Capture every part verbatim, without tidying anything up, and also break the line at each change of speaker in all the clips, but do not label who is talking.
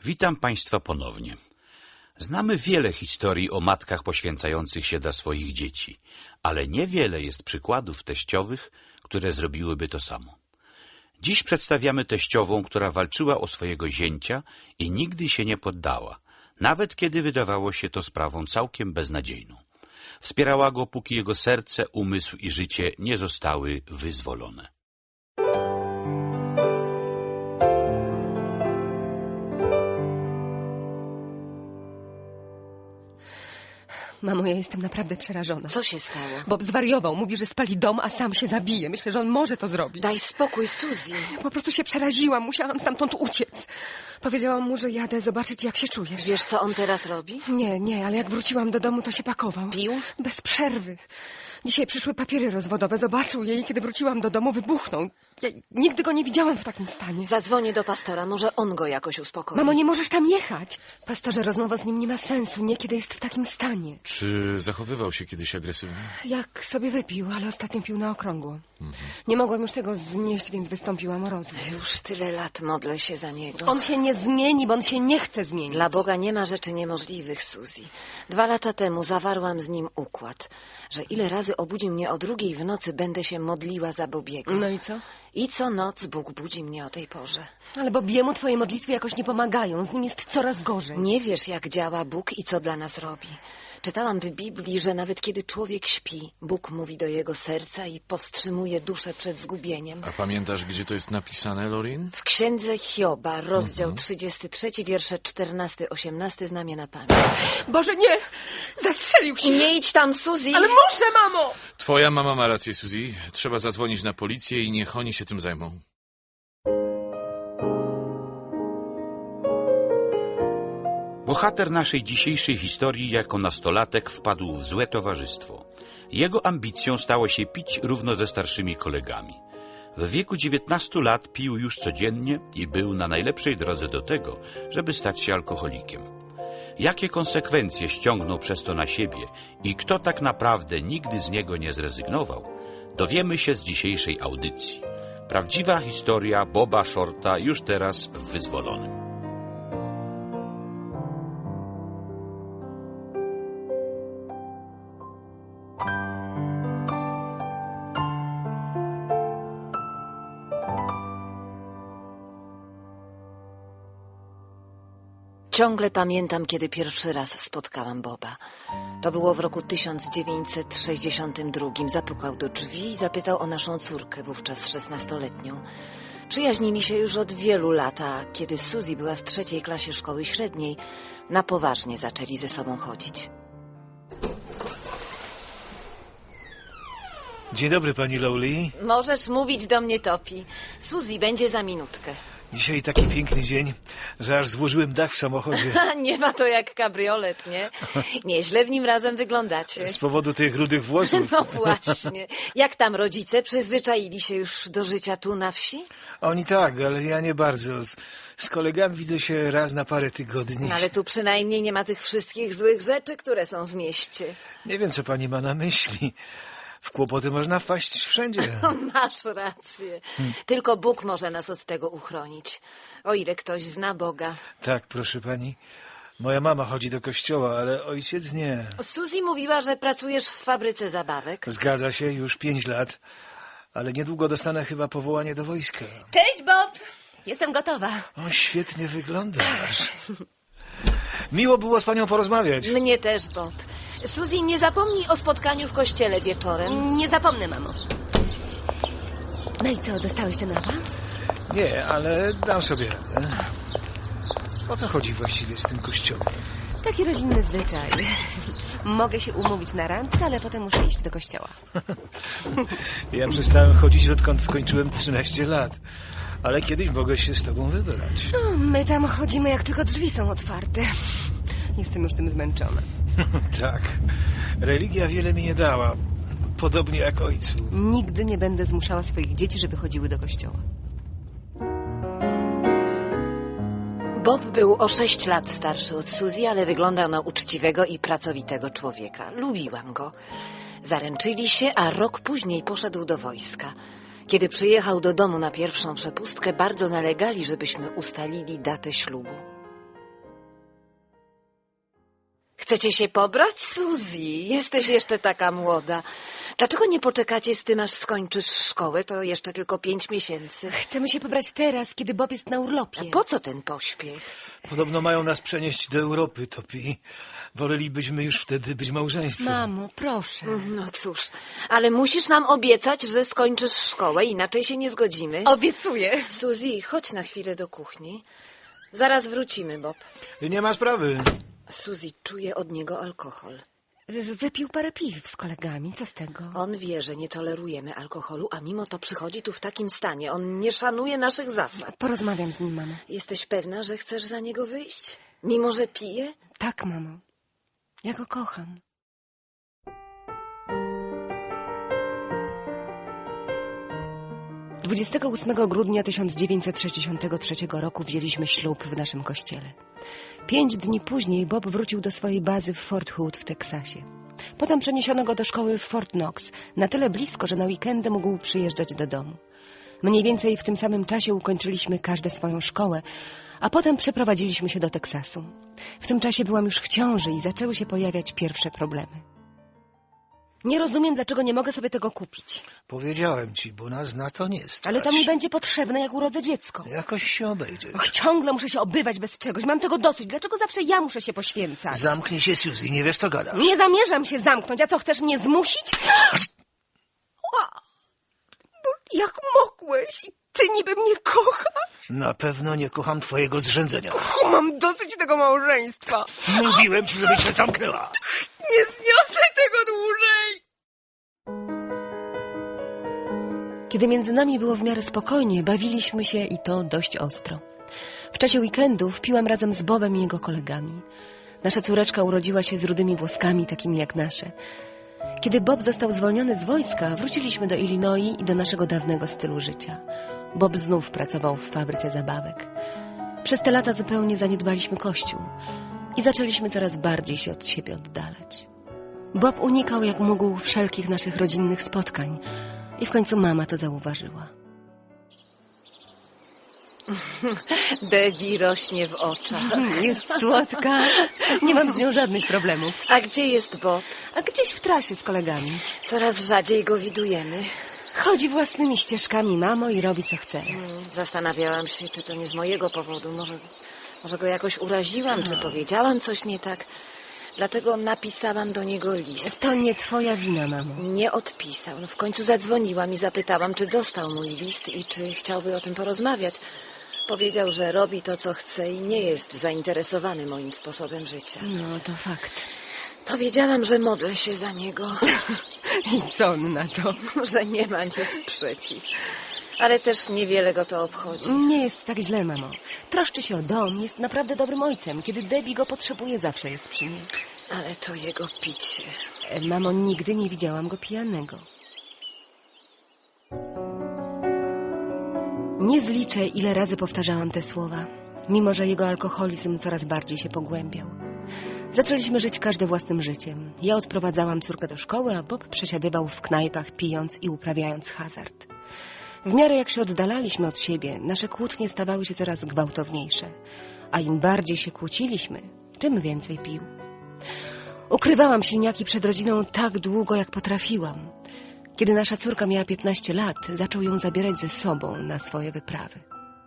Witam Państwa ponownie. Znamy wiele historii o matkach poświęcających się dla swoich dzieci, ale niewiele jest przykładów teściowych, które zrobiłyby to samo. Dziś przedstawiamy teściową, która walczyła o swojego zięcia i nigdy się nie poddała, nawet kiedy wydawało się to sprawą całkiem beznadziejną. Wspierała go, póki jego serce, umysł i życie nie zostały wyzwolone.
Mamo, ja jestem naprawdę przerażona.
Co się stało?
Bob zwariował. Mówi, że spali dom, a sam się zabije. Myślę, że on może to zrobić.
Daj spokój, Suzy.
Po prostu się przeraziłam. Musiałam stamtąd uciec. Powiedziałam mu, że jadę zobaczyć, jak się czujesz.
Wiesz, co on teraz robi?
Nie, nie, ale jak wróciłam do domu, to się pakował.
Pił?
Bez przerwy. Dzisiaj przyszły papiery rozwodowe. Zobaczył je i kiedy wróciłam do domu, wybuchnął. Ja nigdy go nie widziałam w takim stanie.
Zadzwonię do pastora. Może on go jakoś uspokoi.
Mamo, nie możesz tam jechać. Pastorze, rozmowa z nim nie ma sensu. Nie, kiedy jest w takim stanie.
Czy zachowywał się kiedyś agresywnie?
Jak sobie wypił, ale ostatnio pił na okrągło.
Mhm.
Nie mogłam już tego znieść, więc wystąpiłam o rozwód.
Już tyle lat modlę się za niego.
On się nie zmieni, bo on się nie chce zmienić.
Dla Boga nie ma rzeczy niemożliwych, Suzy. Dwa lata temu zawarłam z nim układ, że ile razy obudzi mnie o drugiej w nocy, będę się modliła za Bobiego.
No i co?
I co noc Bóg budzi mnie o tej porze.
Ale Bobiemu twoje modlitwy jakoś nie pomagają. Z nim jest coraz gorzej.
Nie wiesz, jak działa Bóg i co dla nas robi. Czytałam w Biblii, że nawet kiedy człowiek śpi, Bóg mówi do jego serca i powstrzymuje duszę przed zgubieniem.
A pamiętasz, gdzie to jest napisane, Lorin?
W księdze Hioba, rozdział
Mhm.
trzydziesty trzeci, wiersze czternasty osiemnasty, znam je na pamięć.
Boże, nie! Zastrzelił się!
Nie idź tam, Suzy!
Ale muszę, mamo!
Twoja mama ma rację, Suzy. Trzeba zadzwonić na policję i niech oni się tym zajmą.
Bohater naszej dzisiejszej historii jako nastolatek wpadł w złe towarzystwo. Jego ambicją stało się pić równo ze starszymi kolegami. W wieku dziewiętnastu lat pił już codziennie i był na najlepszej drodze do tego, żeby stać się alkoholikiem. Jakie konsekwencje ściągnął przez to na siebie i kto tak naprawdę nigdy z niego nie zrezygnował, dowiemy się z dzisiejszej audycji. Prawdziwa historia Boba Shorta już teraz w Wyzwolonym.
Ciągle pamiętam, kiedy pierwszy raz spotkałam Boba. To było w roku tysiąc dziewięćset sześćdziesiątym drugim. Zapukał do drzwi i zapytał o naszą córkę, wówczas szesnastoletnią. Przyjaźnili się już od wielu lat, a kiedy Suzy była w trzeciej klasie szkoły średniej, na poważnie zaczęli ze sobą chodzić.
Dzień dobry, pani Lowley.
Możesz mówić do mnie, Topi. Suzy będzie za minutkę.
Dzisiaj taki piękny dzień, że aż złożyłem dach w samochodzie.
Nie ma to jak kabriolet, nie? Nieźle w nim razem wyglądacie.
Z powodu tych rudych włosów.
No właśnie. Jak tam rodzice? Przyzwyczaili się już do życia tu na wsi?
Oni tak, ale ja nie bardzo. Z, z kolegami widzę się raz na parę tygodni.
No ale tu przynajmniej nie ma tych wszystkich złych rzeczy, które są w mieście.
Nie wiem, co pani ma na myśli. W kłopoty można wpaść wszędzie.
Masz rację. Tylko Bóg może nas od tego uchronić. O ile ktoś zna Boga.
Tak, proszę pani. Moja mama chodzi do kościoła, ale ojciec nie.
Suzy mówiła, że pracujesz w fabryce zabawek.
Zgadza się, już pięć lat. Ale niedługo dostanę chyba powołanie do wojska.
Cześć, Bob! Jestem gotowa.
O, świetnie wyglądasz. Miło było z panią porozmawiać.
Mnie też, Bob. Suzy, nie zapomnij o spotkaniu w kościele wieczorem.
Nie zapomnę, mamo. No i co, dostałeś ten awans?
Nie, ale dam sobie radę. O co chodzi właściwie z tym kościołem?
Taki rodzinny zwyczaj. Mogę się umówić na randkę, ale potem muszę iść do kościoła.
Ja przestałem chodzić, odkąd skończyłem trzynaście lat. Ale kiedyś mogę się z tobą wybrać.
No, my tam chodzimy, jak tylko drzwi są otwarte. Jestem już tym zmęczona.
Tak. Religia wiele mi nie dała. Podobnie jak ojcu.
Nigdy nie będę zmuszała swoich dzieci, żeby chodziły do kościoła.
Bob był o sześć lat starszy od Suzy, ale wyglądał na uczciwego i pracowitego człowieka. Lubiłam go. Zaręczyli się, a rok później poszedł do wojska. Kiedy przyjechał do domu na pierwszą przepustkę, bardzo nalegali, żebyśmy ustalili datę ślubu. Chcecie się pobrać, Suzy? Jesteś jeszcze taka młoda. Dlaczego nie poczekacie z tym, aż skończysz szkołę? To jeszcze tylko pięć miesięcy.
Chcemy się pobrać teraz, kiedy Bob jest na urlopie.
A po co ten pośpiech?
Podobno mają nas przenieść do Europy, Topi. Wolelibyśmy już wtedy być małżeństwem.
Mamo, proszę.
No cóż, ale musisz nam obiecać, że skończysz szkołę, inaczej się nie zgodzimy.
Obiecuję.
Suzy, chodź na chwilę do kuchni. Zaraz wrócimy, Bob.
Nie ma sprawy.
Suzy, czuje od niego alkohol.
Wypił parę piw z kolegami, co z tego?
On wie, że nie tolerujemy alkoholu, a mimo to przychodzi tu w takim stanie. On nie szanuje naszych zasad.
Porozmawiam z nim, mamo.
Jesteś pewna, że chcesz za niego wyjść? Mimo, że pije?
Tak, mamo. Ja go kocham. dwudziestego ósmego grudnia tysiąc dziewięćset sześćdziesiątego trzeciego roku wzięliśmy ślub w naszym kościele. Pięć dni później Bob wrócił do swojej bazy w Fort Hood w Teksasie. Potem przeniesiono go do szkoły w Fort Knox, na tyle blisko, że na weekendy mógł przyjeżdżać do domu. Mniej więcej w tym samym czasie ukończyliśmy każde swoją szkołę, a potem przeprowadziliśmy się do Teksasu. W tym czasie byłam już w ciąży i zaczęły się pojawiać pierwsze problemy. Nie rozumiem, dlaczego nie mogę sobie tego kupić.
Powiedziałem ci, bo nas na to nie stać.
Ale to mi będzie potrzebne, jak urodzę dziecko.
Jakoś się obejdzie.
Och, ciągle muszę się obywać bez czegoś. Mam tego dosyć. Dlaczego zawsze ja muszę się poświęcać?
Zamknij się, Suzy, nie wiesz, co gadasz.
Nie zamierzam się zamknąć. A co, chcesz mnie zmusić? Jak mogłeś? I ty niby mnie kochasz?
Na pewno nie kocham twojego zrzędzenia.
O, mam dosyć tego małżeństwa.
Mówiłem ci, żebyś się zamknęła.
Nie zniosę tego dłużej. Kiedy między nami było w miarę spokojnie, bawiliśmy się i to dość ostro. W czasie weekendów piłam razem z Bobem i jego kolegami. Nasza córeczka urodziła się z rudymi włoskami, takimi jak nasze. Kiedy Bob został zwolniony z wojska, wróciliśmy do Illinois i do naszego dawnego stylu życia. Bob znów pracował w fabryce zabawek. Przez te lata zupełnie zaniedbaliśmy Kościół i zaczęliśmy coraz bardziej się od siebie oddalać. Bob unikał jak mógł wszelkich naszych rodzinnych spotkań i w końcu mama to zauważyła.
Debbie rośnie w oczach.
Jest słodka. Nie mam z nią żadnych problemów.
A gdzie jest Bob?
A gdzieś w trasie z kolegami.
Coraz rzadziej go widujemy.
Chodzi własnymi ścieżkami, mamo, i robi co chce.
Hmm, Zastanawiałam się, czy to nie z mojego powodu. Może, może go jakoś uraziłam, czy powiedziałam coś nie tak. Dlatego napisałam do niego list.
To nie twoja wina, mamo.
Nie odpisał. No w końcu zadzwoniłam i zapytałam, czy dostał mój list i czy chciałby o tym porozmawiać. Powiedział, że robi to, co chce i nie jest zainteresowany moim sposobem życia.
No, to fakt.
Powiedziałam, że modlę się za niego,
I co on na to?
że nie ma nic przeciw. Ale też niewiele go to obchodzi.
Nie jest tak źle, mamo. Troszczy się o dom, jest naprawdę dobrym ojcem. Kiedy Debbie go potrzebuje, zawsze jest przy nim.
Ale to jego picie.
E, Mamo, nigdy nie widziałam go pijanego. Nie zliczę, ile razy powtarzałam te słowa, mimo że jego alkoholizm coraz bardziej się pogłębiał. Zaczęliśmy żyć każdy własnym życiem. Ja odprowadzałam córkę do szkoły, a Bob przesiadywał w knajpach, pijąc i uprawiając hazard. W miarę jak się oddalaliśmy od siebie, nasze kłótnie stawały się coraz gwałtowniejsze, a im bardziej się kłóciliśmy, tym więcej pił. Ukrywałam silniaki przed rodziną tak długo, jak potrafiłam. Kiedy nasza córka miała piętnaście lat, zaczął ją zabierać ze sobą na swoje wyprawy.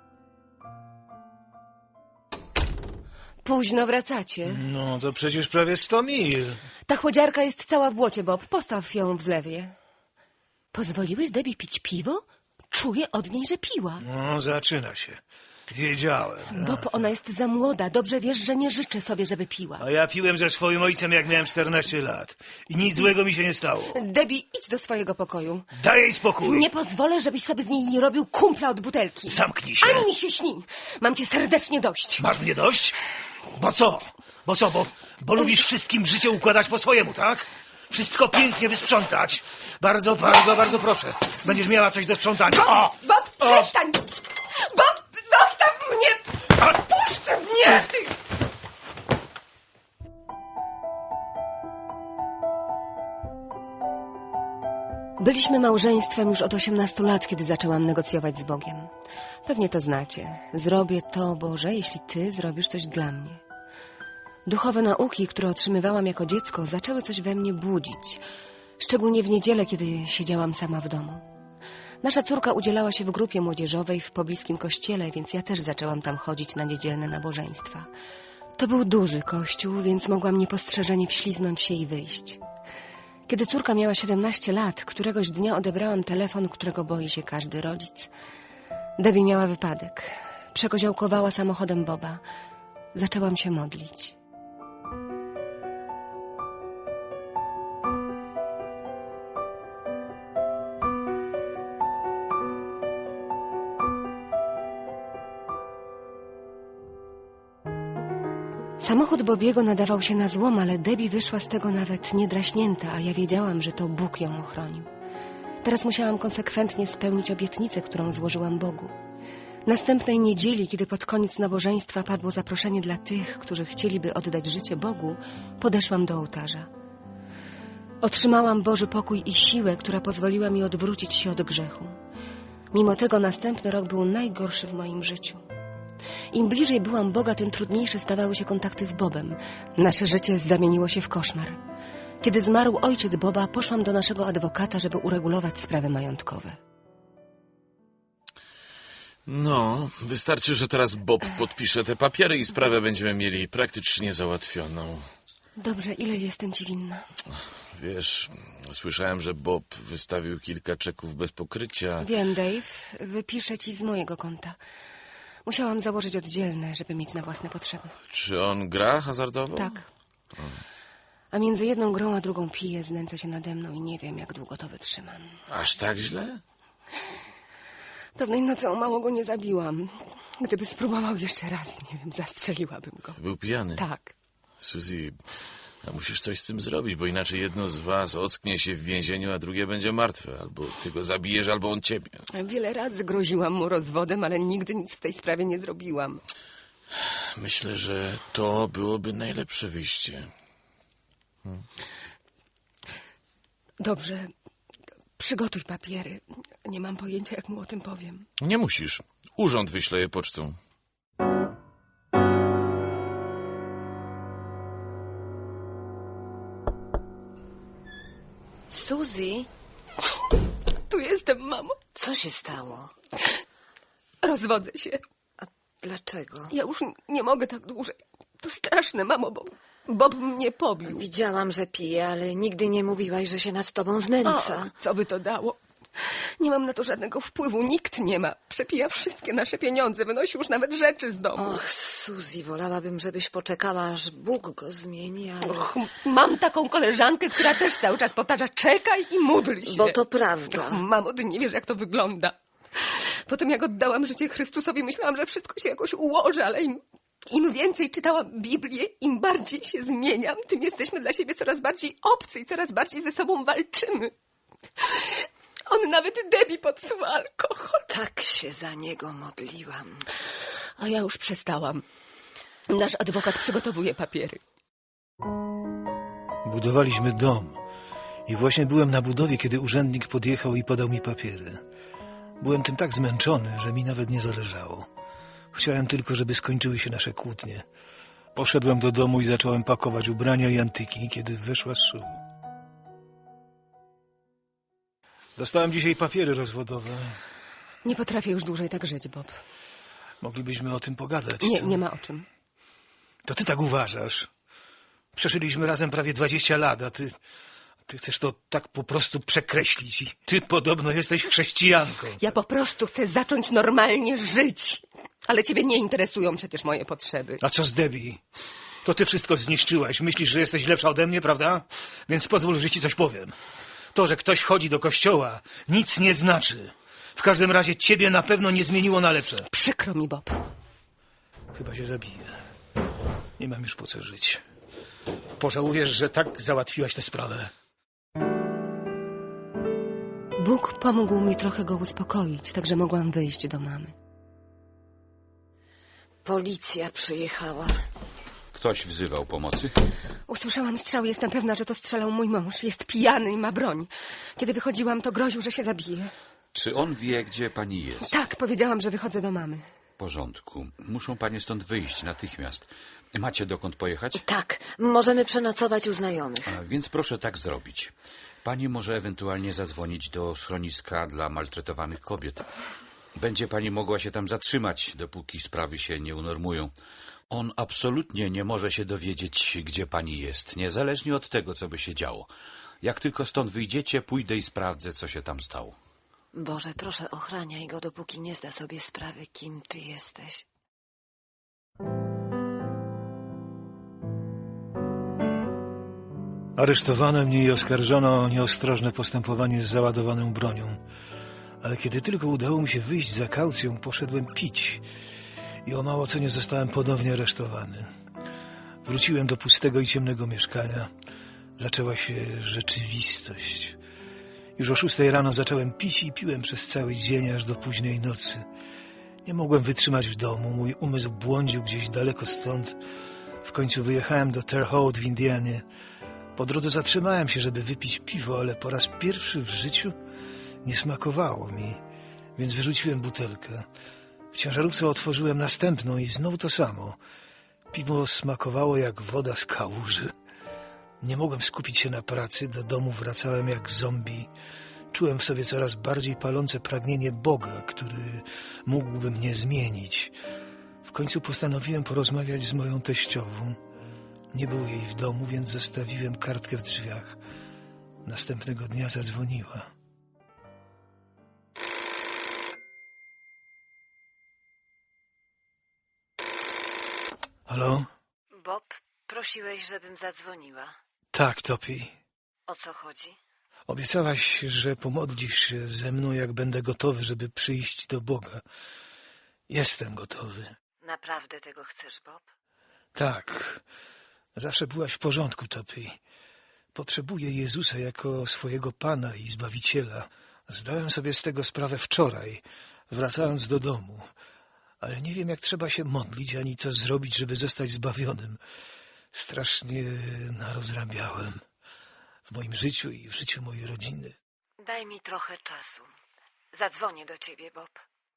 Późno wracacie.
No, to przecież prawie sto mil.
Ta chłodziarka jest cała w błocie, Bob. Postaw ją w zlewie. Pozwoliłeś Debbie pić piwo? Czuję od niej, że piła.
No, zaczyna się. Wiedziałem. No.
Bob, ona jest za młoda. Dobrze wiesz, że nie życzę sobie, żeby piła.
A ja piłem ze swoim ojcem, jak miałem czternaście lat. I nic złego mi się nie stało.
Debbie, idź do swojego pokoju.
Daj jej spokój.
Nie pozwolę, żebyś sobie z niej robił kumpla od butelki.
Zamknij się.
Ani mi się śni. Mam cię serdecznie dość.
Masz mnie dość? Bo co? Bo co? Bo, bo lubisz wszystkim życie układać po swojemu, tak? Wszystko pięknie wysprzątać. Bardzo, bardzo, bardzo proszę. Będziesz miała coś do sprzątania. O!
Bob, przestań! Bob, zostaw mnie!
A!
Puść mnie! Ty... Byliśmy małżeństwem już od osiemnastu lat, kiedy zaczęłam negocjować z Bogiem. Pewnie to znacie. Zrobię to, Boże, jeśli Ty zrobisz coś dla mnie. Duchowe nauki, które otrzymywałam jako dziecko, zaczęły coś we mnie budzić. Szczególnie w niedzielę, kiedy siedziałam sama w domu. Nasza córka udzielała się w grupie młodzieżowej w pobliskim kościele, więc ja też zaczęłam tam chodzić na niedzielne nabożeństwa. To był duży kościół, więc mogłam niepostrzeżenie wśliznąć się i wyjść. Kiedy córka miała siedemnaście lat, któregoś dnia odebrałam telefon, którego boi się każdy rodzic. Debbie miała wypadek. Przekoziołkowała samochodem Boba. Zaczęłam się modlić. Samochód Bobiego nadawał się na złom, ale Debbie wyszła z tego nawet niedraśnięta, a ja wiedziałam, że to Bóg ją ochronił. Teraz musiałam konsekwentnie spełnić obietnicę, którą złożyłam Bogu. Następnej niedzieli, kiedy pod koniec nabożeństwa padło zaproszenie dla tych, którzy chcieliby oddać życie Bogu, podeszłam do ołtarza. Otrzymałam Boży pokój i siłę, która pozwoliła mi odwrócić się od grzechu. Mimo tego następny rok był najgorszy w moim życiu. Im bliżej byłam Boga, tym trudniejsze stawały się kontakty z Bobem. Nasze życie zamieniło się w koszmar. Kiedy zmarł ojciec Boba, poszłam do naszego adwokata, żeby uregulować sprawy majątkowe.
No, wystarczy, że teraz Bob podpisze te papiery i sprawę będziemy mieli praktycznie załatwioną.
Dobrze, ile jestem ci winna?
Wiesz, słyszałem, że Bob wystawił kilka czeków bez pokrycia.
Wiem, Dave. Wypiszę ci z mojego konta. Musiałam założyć oddzielne, żeby mieć na własne potrzeby.
Czy on gra hazardowo?
Tak. A między jedną grą a drugą pije, znęca się nade mną i nie wiem, jak długo to wytrzymam.
Aż tak źle?
Pewnej nocy o mało go nie zabiłam. Gdyby spróbował jeszcze raz, nie wiem, zastrzeliłabym go.
Był pijany?
Tak.
Suzy, a musisz coś z tym zrobić, bo inaczej jedno z was ocknie się w więzieniu, a drugie będzie martwe. Albo ty go zabijesz, albo on ciebie.
Wiele razy groziłam mu rozwodem, ale nigdy nic w tej sprawie nie zrobiłam.
Myślę, że to byłoby najlepsze wyjście. Hmm.
Dobrze. Przygotuj papiery. Nie mam pojęcia, jak mu o tym powiem.
Nie musisz. Urząd wyśle je pocztą.
Suzy,
Tu jestem, mamo.
co się stało?
Rozwodzę się.
A dlaczego?
Ja już nie mogę tak dłużej. To straszne, mamo, bo Bob mnie pobił.
Widziałam, że pije, ale nigdy nie mówiłaś, że się nad tobą znęca.
O, co by to dało? Nie mam na to żadnego wpływu, nikt nie ma. Przepija wszystkie nasze pieniądze, wynosi już nawet rzeczy z domu.
Och, Suzy, wolałabym, żebyś poczekała, aż Bóg go zmieni, ale...
Och, mam taką koleżankę, która też cały czas powtarza, czekaj i módl się.
Bo to prawda.
Och, mamo, ty nie wiesz, jak to wygląda. Potem jak oddałam życie Chrystusowi, myślałam, że wszystko się jakoś ułoży, ale im, im więcej czytałam Biblię, im bardziej się zmieniam, tym jesteśmy dla siebie coraz bardziej obcy i coraz bardziej ze sobą walczymy. On nawet Debbie podsuwa alkohol.
Tak się za niego modliłam.
A ja już przestałam. Nasz adwokat przygotowuje papiery.
Budowaliśmy dom i właśnie byłem na budowie, kiedy urzędnik podjechał i podał mi papiery. Byłem tym tak zmęczony, że mi nawet nie zależało. Chciałem tylko, żeby skończyły się nasze kłótnie. Poszedłem do domu i zacząłem pakować ubrania i antyki, kiedy weszła Sue. Dostałem dzisiaj papiery rozwodowe.
Nie potrafię już dłużej tak żyć, Bob.
Moglibyśmy o tym pogadać.
Nie,
co?
nie ma o czym.
To ty tak uważasz. Przeżyliśmy razem prawie dwadzieścia lat, a ty... Ty chcesz to tak po prostu przekreślić. I ty podobno jesteś chrześcijanką.
Ja po prostu chcę zacząć normalnie żyć. Ale ciebie nie interesują przecież moje potrzeby.
A co z Debbie? To ty wszystko zniszczyłaś. Myślisz, że jesteś lepsza ode mnie, prawda? Więc pozwól, że ci coś powiem. To, że ktoś chodzi do kościoła, nic nie znaczy. W każdym razie ciebie na pewno nie zmieniło na lepsze.
Przykro mi, Bob.
Chyba się zabiję. Nie mam już po co żyć. Pożałujesz, że tak załatwiłaś tę sprawę.
Bóg pomógł mi trochę go uspokoić, tak że mogłam wyjść do mamy.
Policja przyjechała.
Ktoś wzywał pomocy?
Usłyszałam strzał, jestem pewna, że to strzelał mój mąż. Jest pijany i ma broń. Kiedy wychodziłam, to groził, że się zabije.
Czy on wie, gdzie pani jest?
Tak, powiedziałam, że wychodzę do mamy.
porządku. Muszą panie stąd wyjść natychmiast. Macie dokąd pojechać?
Tak, możemy przenocować u znajomych.
A więc proszę tak zrobić. Pani może ewentualnie zadzwonić do schroniska dla maltretowanych kobiet. Będzie pani mogła się tam zatrzymać, dopóki sprawy się nie unormują. On absolutnie nie może się dowiedzieć, gdzie pani jest, niezależnie od tego, co by się działo. Jak tylko stąd wyjdziecie, pójdę i sprawdzę, co się tam stało.
Boże, proszę, ochraniaj go, dopóki nie zda sobie sprawy, kim ty jesteś.
Aresztowano mnie i oskarżono o nieostrożne postępowanie z załadowaną bronią. Ale kiedy tylko udało mi się wyjść za kaucją, poszedłem pić i o mało co nie zostałem ponownie aresztowany. Wróciłem do pustego i ciemnego mieszkania. Zaczęła się rzeczywistość. Już o szóstej rano zacząłem pić i piłem przez cały dzień aż do późnej nocy. Nie mogłem wytrzymać w domu, mój umysł błądził gdzieś daleko stąd. W końcu wyjechałem do Terre Haute w Indianie. Po drodze zatrzymałem się, żeby wypić piwo, ale po raz pierwszy w życiu nie smakowało mi, więc wyrzuciłem butelkę. W ciężarówce otworzyłem następną i znowu to samo. Piwo smakowało jak woda z kałuży. Nie mogłem skupić się na pracy, do domu wracałem jak zombie. Czułem w sobie coraz bardziej palące pragnienie Boga, który mógłby mnie zmienić. W końcu postanowiłem porozmawiać z moją teściową. Nie było jej w domu, więc zostawiłem kartkę w drzwiach. Następnego dnia zadzwoniła. Halo?
Bob, prosiłeś, żebym zadzwoniła.
Tak, Topi.
O co chodzi?
Obiecałaś, że pomodlisz się ze mną, jak będę gotowy, żeby przyjść do Boga. Jestem gotowy.
Naprawdę tego chcesz, Bob?
Tak. Zawsze byłaś w porządku, Topi. Potrzebuję Jezusa jako swojego Pana i Zbawiciela. Zdałem sobie z tego sprawę wczoraj, wracając do domu. Ale nie wiem, jak trzeba się modlić, ani co zrobić, żeby zostać zbawionym. Strasznie narozrabiałem w moim życiu i w życiu mojej rodziny.
Daj mi trochę czasu. Zadzwonię do ciebie, Bob.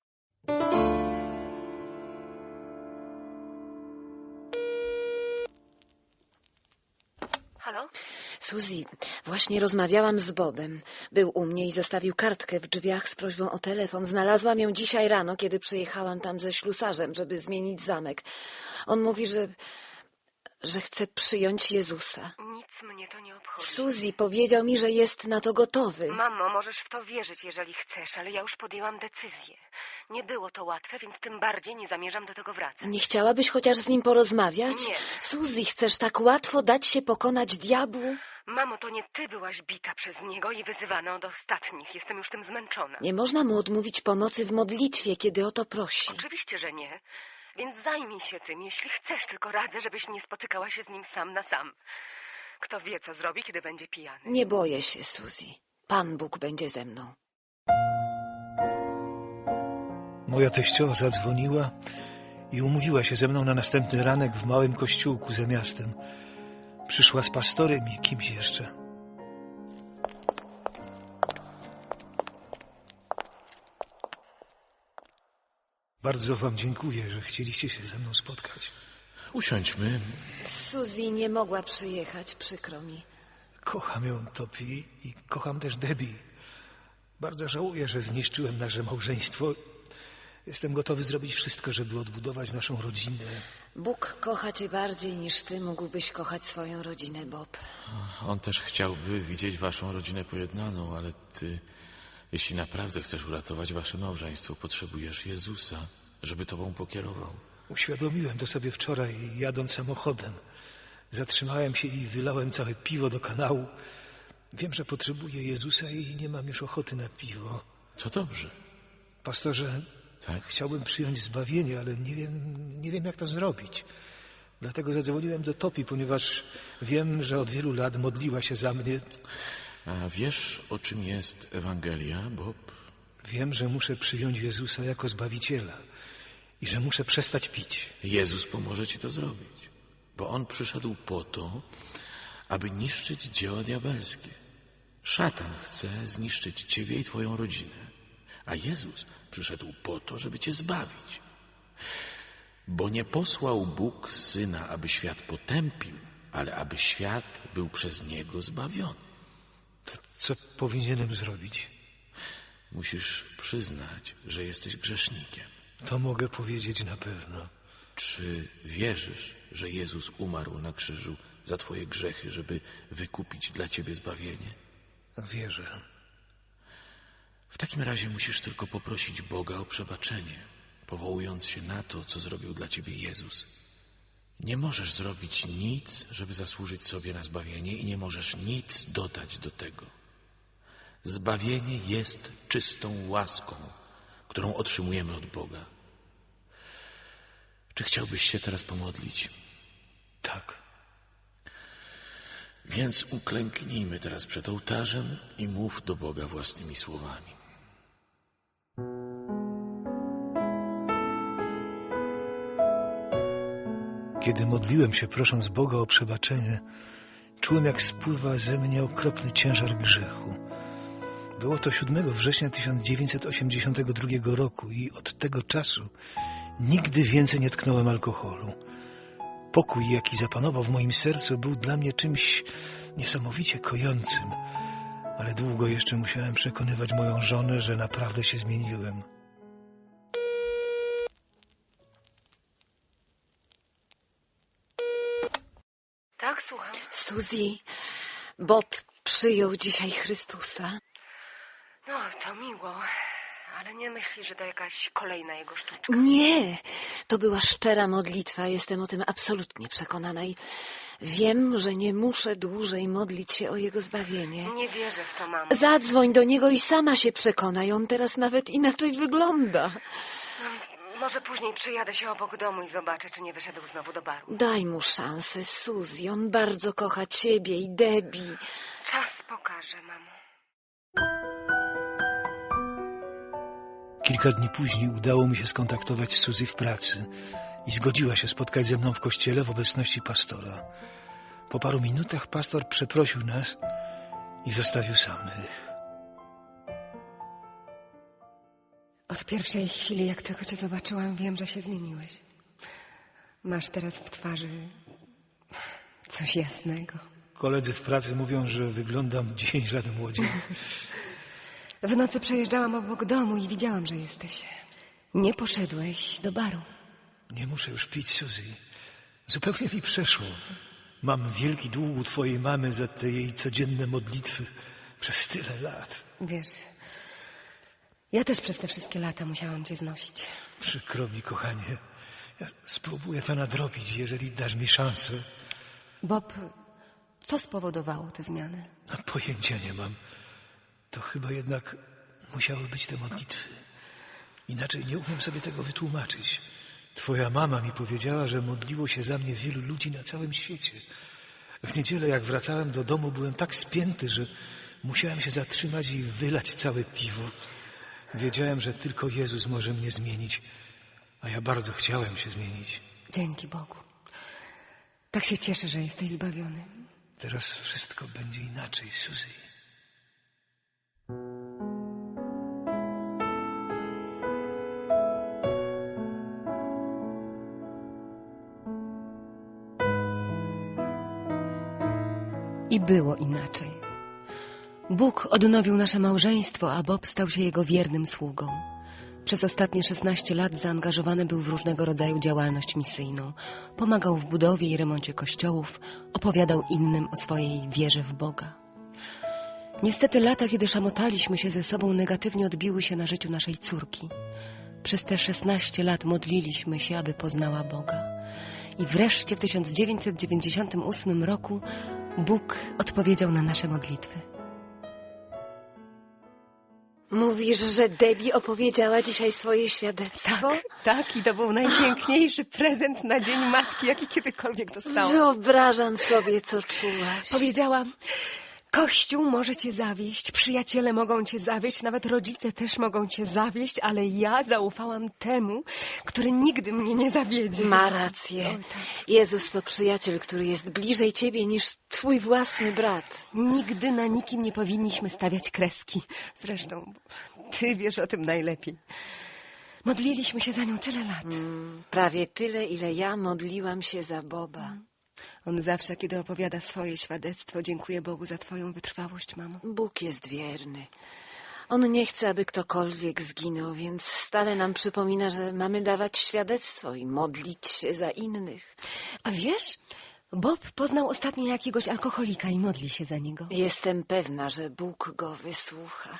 Halo?
Suzy, właśnie rozmawiałam z Bobem. Był u mnie i zostawił kartkę w drzwiach z prośbą o telefon. Znalazłam ją dzisiaj rano, kiedy przyjechałam tam ze ślusarzem, żeby zmienić zamek. On mówi, że... że chce przyjąć Jezusa.
Nic mnie to nie obchodzi.
Suzy powiedział mi, że jest na to gotowy.
Mamo, możesz w to wierzyć, jeżeli chcesz, ale ja już podjęłam decyzję. Nie było to łatwe, więc tym bardziej nie zamierzam do tego wracać.
Nie chciałabyś chociaż z nim porozmawiać?
Nie.
Suzy, chcesz tak łatwo dać się pokonać diabłu?
Mamo, to nie ty byłaś bita przez niego i wyzywana od ostatnich. Jestem już tym zmęczona.
Nie można mu odmówić pomocy w modlitwie, kiedy o to prosi.
Oczywiście, że nie. Więc zajmij się tym, jeśli chcesz, tylko radzę, żebyś nie spotykała się z nim sam na sam. Kto wie, co zrobi, kiedy będzie pijany.
Nie boję się, Suzy. Pan Bóg będzie ze mną.
Moja teściowa zadzwoniła i umówiła się ze mną na następny ranek w małym kościółku za miastem. Przyszła z pastorem i kimś jeszcze. Bardzo wam dziękuję, że chcieliście się ze mną spotkać.
Usiądźmy.
Suzy nie mogła przyjechać, przykro mi.
Kocham ją, Topi, i kocham też Debbie. Bardzo żałuję, że zniszczyłem nasze małżeństwo. Jestem gotowy zrobić wszystko, żeby odbudować naszą rodzinę.
Bóg kocha cię bardziej niż ty mógłbyś kochać swoją rodzinę, Bob.
On też chciałby widzieć waszą rodzinę pojednaną, ale ty, jeśli naprawdę chcesz uratować wasze małżeństwo, potrzebujesz Jezusa, żeby tobą pokierował.
Uświadomiłem to sobie wczoraj, jadąc samochodem. Zatrzymałem się i wylałem całe piwo do kanału. Wiem, że potrzebuję Jezusa i nie mam już ochoty na piwo.
To dobrze.
Pastorze,
Tak?
chciałbym przyjąć zbawienie, ale nie wiem, nie wiem jak to zrobić. Dlatego zadzwoniłem do Topi, ponieważ wiem, że od wielu lat modliła się za mnie.
A wiesz, o czym jest Ewangelia, Bob?
Wiem, że muszę przyjąć Jezusa jako Zbawiciela i że muszę przestać pić.
Jezus pomoże ci to zrobić, bo On przyszedł po to, aby niszczyć dzieła diabelskie. Szatan chce zniszczyć ciebie i twoją rodzinę, a Jezus przyszedł po to, żeby cię zbawić. Bo nie posłał Bóg Syna, aby świat potępił, ale aby świat był przez Niego zbawiony.
To co powinienem zrobić?
Musisz przyznać, że jesteś grzesznikiem.
To mogę powiedzieć na pewno.
Czy wierzysz, że Jezus umarł na krzyżu za twoje grzechy, żeby wykupić dla ciebie zbawienie?
Wierzę.
W takim razie musisz tylko poprosić Boga o przebaczenie, powołując się na to, co zrobił dla ciebie Jezus. Nie możesz zrobić nic, żeby zasłużyć sobie na zbawienie i nie możesz nic dodać do tego. Zbawienie jest czystą łaską, którą otrzymujemy od Boga. Czy chciałbyś się teraz pomodlić?
Tak.
Więc uklęknijmy teraz przed ołtarzem i mów do Boga własnymi słowami.
Kiedy modliłem się, prosząc Boga o przebaczenie, czułem, jak spływa ze mnie okropny ciężar grzechu. Było to siódmego września tysiąc dziewięćset osiemdziesiątego drugiego roku i od tego czasu nigdy więcej nie tknąłem alkoholu. Pokój, jaki zapanował w moim sercu, był dla mnie czymś niesamowicie kojącym, ale długo jeszcze musiałem przekonywać moją żonę, że naprawdę się zmieniłem.
Tak, słucham.
Suzy, Bob przyjął dzisiaj Chrystusa.
No, to miło, ale nie myślisz, że to jakaś kolejna jego sztuczka?
Nie, to była szczera modlitwa. Jestem o tym absolutnie przekonana i wiem, że nie muszę dłużej modlić się o jego zbawienie.
Nie wierzę w to, mamo.
Zadzwoń do niego i sama się przekonaj. On teraz nawet inaczej wygląda.
Może później przyjadę się obok domu i zobaczę, czy nie wyszedł znowu do baru.
Daj mu szansę, Suzy. On bardzo kocha ciebie i Debbie.
Czas pokaże, mamo.
Kilka dni później udało mi się skontaktować z Suzy w pracy i zgodziła się spotkać ze mną w kościele w obecności pastora. Po paru minutach pastor przeprosił nas i zostawił samych.
Od pierwszej chwili, jak tylko cię zobaczyłam, wiem, że się zmieniłeś. Masz teraz w twarzy coś jasnego.
Koledzy w pracy mówią, że wyglądam dziesięć lat młodziej.
W nocy przejeżdżałam obok domu i widziałam, że jesteś. Nie poszedłeś do baru.
Nie muszę już pić, Suzy. Zupełnie mi przeszło. Mam wielki dług u twojej mamy za te jej codzienne modlitwy przez tyle lat.
Wiesz, ja też przez te wszystkie lata musiałam cię znosić.
Przykro mi, kochanie. Ja spróbuję to nadrobić, jeżeli dasz mi szansę.
Bob, co spowodowało te zmiany?
A pojęcia nie mam. To chyba jednak musiały być te modlitwy. Inaczej nie umiem sobie tego wytłumaczyć. Twoja mama mi powiedziała, że modliło się za mnie wielu ludzi na całym świecie. W niedzielę, jak wracałem do domu, byłem tak spięty, że musiałem się zatrzymać i wylać całe piwo. Wiedziałem, że tylko Jezus może mnie zmienić, a ja bardzo chciałem się zmienić.
Dzięki Bogu. Tak się cieszę, że jesteś zbawiony.
Teraz wszystko będzie inaczej, Suzy.
I było inaczej. Bóg odnowił nasze małżeństwo, a Bob stał się jego wiernym sługą. Przez ostatnie szesnaście lat zaangażowany był w różnego rodzaju działalność misyjną. Pomagał w budowie i remoncie kościołów, opowiadał innym o swojej wierze w Boga. Niestety lata, kiedy szamotaliśmy się ze sobą, negatywnie odbiły się na życiu naszej córki. Przez te szesnaście lat modliliśmy się, aby poznała Boga. I wreszcie w tysiąc dziewięćset dziewięćdziesiątym ósmym roku Bóg odpowiedział na nasze modlitwy.
Mówisz, że Debbie opowiedziała dzisiaj swoje świadectwo?
Tak, tak, i to był najpiękniejszy prezent na Dzień Matki, jaki kiedykolwiek dostałam.
Wyobrażam sobie, co czułaś.
Powiedziała: Kościół może cię zawieść, przyjaciele mogą cię zawieść, nawet rodzice też mogą cię zawieść, ale ja zaufałam temu, który nigdy mnie nie zawiedzie.
Ma rację.
O, tak.
Jezus to przyjaciel, który jest bliżej ciebie niż twój własny brat.
Nigdy na nikim nie powinniśmy stawiać kreski. Zresztą ty wiesz o tym najlepiej. Modliliśmy się za nią tyle lat.
Mm, prawie tyle, ile ja modliłam się za Boba.
On zawsze, kiedy opowiada swoje świadectwo, dziękuję Bogu za twoją wytrwałość, mamo.
Bóg jest wierny. On nie chce, aby ktokolwiek zginął, więc stale nam przypomina, że mamy dawać świadectwo i modlić się za innych.
A wiesz, Bob poznał ostatnio jakiegoś alkoholika i modli się za niego.
Jestem pewna, że Bóg go wysłucha.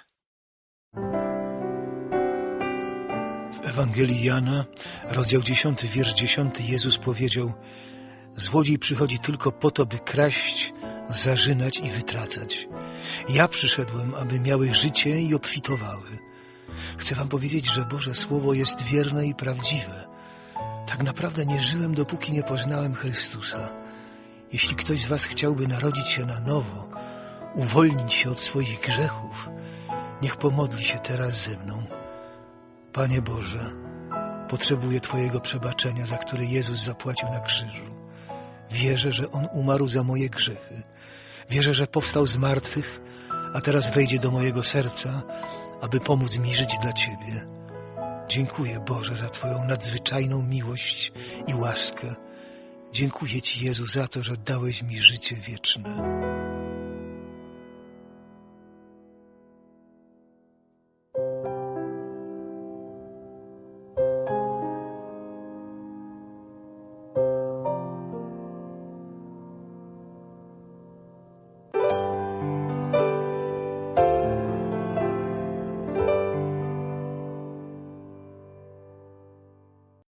W Ewangelii Jana, rozdział dziesiąty, wiersz dziesiąty, Jezus powiedział: złodziej przychodzi tylko po to, by kraść, zarzynać i wytracać. Ja przyszedłem, aby miały życie i obfitowały. Chcę wam powiedzieć, że Boże Słowo jest wierne i prawdziwe. Tak naprawdę nie żyłem, dopóki nie poznałem Chrystusa. Jeśli ktoś z was chciałby narodzić się na nowo, uwolnić się od swoich grzechów, niech pomodli się teraz ze mną. Panie Boże, potrzebuję Twojego przebaczenia, za które Jezus zapłacił na krzyżu. Wierzę, że On umarł za moje grzechy. Wierzę, że powstał z martwych, a teraz wejdzie do mojego serca, aby pomóc mi żyć dla Ciebie. Dziękuję, Boże, za Twoją nadzwyczajną miłość i łaskę. Dziękuję Ci, Jezu, za to, że dałeś mi życie wieczne.